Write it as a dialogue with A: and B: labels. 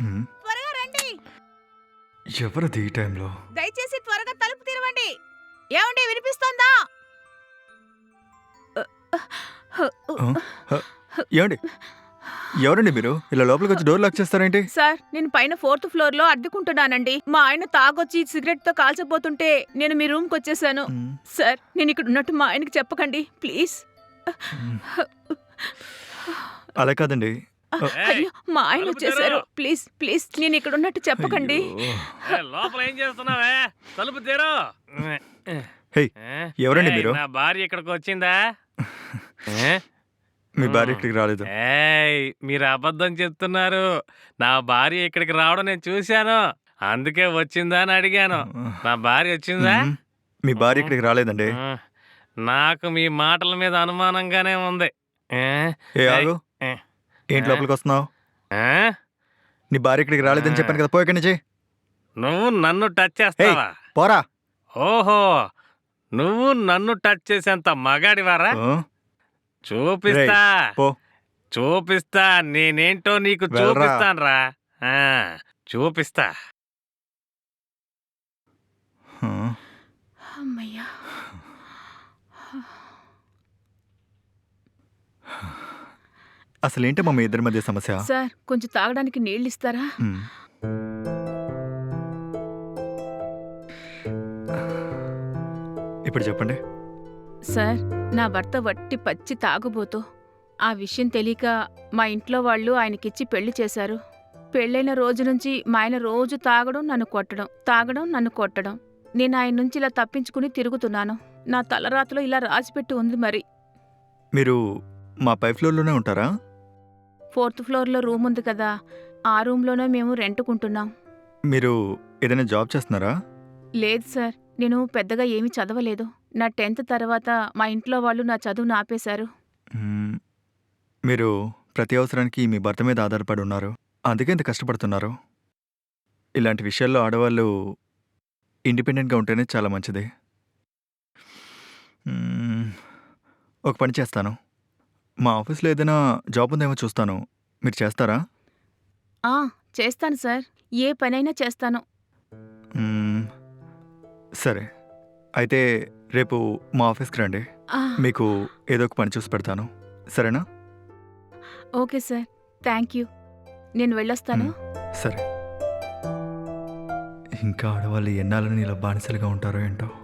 A: హ్మ్.
B: త్వరగా రండి.
A: ఎవరిది ఈ టైంలో?
B: దయచేసి త్వరగా తలుపు తెరవండి. ఏమండి వినిపిస్తోందా?
A: ఆ? హ, ఏమండి? ఎవరండి మీరు? ఇలా లోపలికి వచ్చి డోర్ లాక్ చేస్తారేంటి?
B: సార్, నేను పైన 4th ఫ్లోర్లో అద్దెకుంటున్నానండి. మా ఆయన తాగొచ్చి సిగరెట్తో కాల్చబోతుంటే నేను మీ రూమ్కి వచ్చేసాను.
A: మ్,
B: సార్, నేను ఇక్కడ ఉన్నట్టు మా ఆయనకి చెప్పకండి ప్లీజ్.
A: మ్. అలా కాదండి.
B: అయ్యో, మా ఆయన
C: తలుపు
B: వచ్చేసారు.
C: తెరు.
B: ప్లీజ్ ప్లీజ్ నేను ఇక్కడ ఉన్నట్టు చెప్పకండి.
A: అయ్యో.
C: లోపల ఏం చేస్తున్నావే? తలుపు తెరు.
A: హే, ఎవరండి మీరు?
C: నా భార్య ఇక్కడికి వచ్చిందా? ఏ?
A: మీ భార్య ఇక్కడికి రాలేదు.
C: ఏయ్, మీరు అబద్ధం చెప్తున్నారు. నా భార్య ఇక్కడికి రావడం నేను చూశాను, అందుకే వచ్చిందా అని అడిగాను. నా భార్య వచ్చిందా?
A: మ్, మీ భార్య ఇక్కడికి రాలేదండి.
C: నాకు మీ మాటల మీద అనుమానంగానే ఉంది. ఏ?
A: ఏ ఆగు.
C: ఏ?
A: ఏంటి లోపలికి వస్తున్నావు?
C: ఆ?
A: నీ భార్య ఇక్కడికి రాలేదని చెప్పాను కదా, పోయి ఇక్కడి నుంచి.
C: నువ్వు నన్ను టచ్ చేస్తావా?
A: పోరా.
C: ఓహో, నువ్వు నన్ను టచ్ చేసేంత మగాడివారా?
A: ఆ?
C: చూపిస్తా,
A: పో.
C: చూపిస్తా, నేనేంటో నీకు
A: వెళ్ళరా.
C: చూపిస్తాన్రా. చూపిస్తా.
A: ఆ?
B: అమ్మయ్యా.
A: అసలు ఏంటమ్మా మీ ఇద్దరి మధ్య సమస్య?
B: సార్, కొంచెం తాగడానికి నీళ్ళు ఇస్తారా?
A: మ్. ఇప్పుడు చెప్పండి.
B: సార్, నా భర్త వట్టి పచ్చి తాగుబోతూ. ఆ విషయం తెలియక మా ఇంట్లో వాళ్ళు ఆయనకిచ్చి పెళ్లి చేశారు. పెళ్ళైన రోజు నుంచి మా ఆయన రోజు తాగడం నన్ను కొట్టడం, తాగడం నన్ను కొట్టడం. నేను ఆయన నుంచి ఇలా తప్పించుకుని తిరుగుతున్నాను. నా తలరాతలో ఇలా రాసిపెట్టి ఉంది మరి.
A: మీరు మా పై ఫ్లోర్లోనే ఉంటారా?
B: 4th ఫ్లోర్లో రూమ్ ఉంది కదా, ఆ రూమ్లోనే మేము రెంటుకుంటున్నాం.
A: మీరు ఏదైనా జాబ్ చేస్తున్నారా?
B: లేదు సార్, నేను పెద్దగా ఏమీ చదవలేదు. నా 10th తర్వాత మా ఇంట్లో వాళ్ళు నా చదువును ఆపేశారు.
A: మ్మ్. మీరు ప్రతి అవసరానికి మీ భర్త మీద ఆధారపడి ఉన్నారు, అందుకే ఇంత కష్టపడుతున్నారు. ఇలాంటి విషయాల్లో ఆడవాళ్ళు ఇండిపెండెంట్గా ఉంటేనే చాలా మంచిది. మ్మ్. ఒక పని చేస్తాను, మా ఆఫీస్లో ఏదైనా జాబ్ ఉందేమో చూస్తాను, మీరు చేస్తారా?
B: ఆ, చేస్తాను సార్, ఏ పనైనా చేస్తాను.
A: మ్మ్. సరే, అయితే రేపు మా ఆఫీస్కి రండి,
B: ఆ,
A: మీకు ఏదో ఒక పని చూసి పెడతాను, సరేనా?
B: Okay sir, thank you. నేను వెళ్ళొస్తాను.
A: సరే. ఇంకా ఆడవాళ్ళు ఎన్నాళ్ళని ఇలా బానిసలుగా ఉంటారో ఏంటో.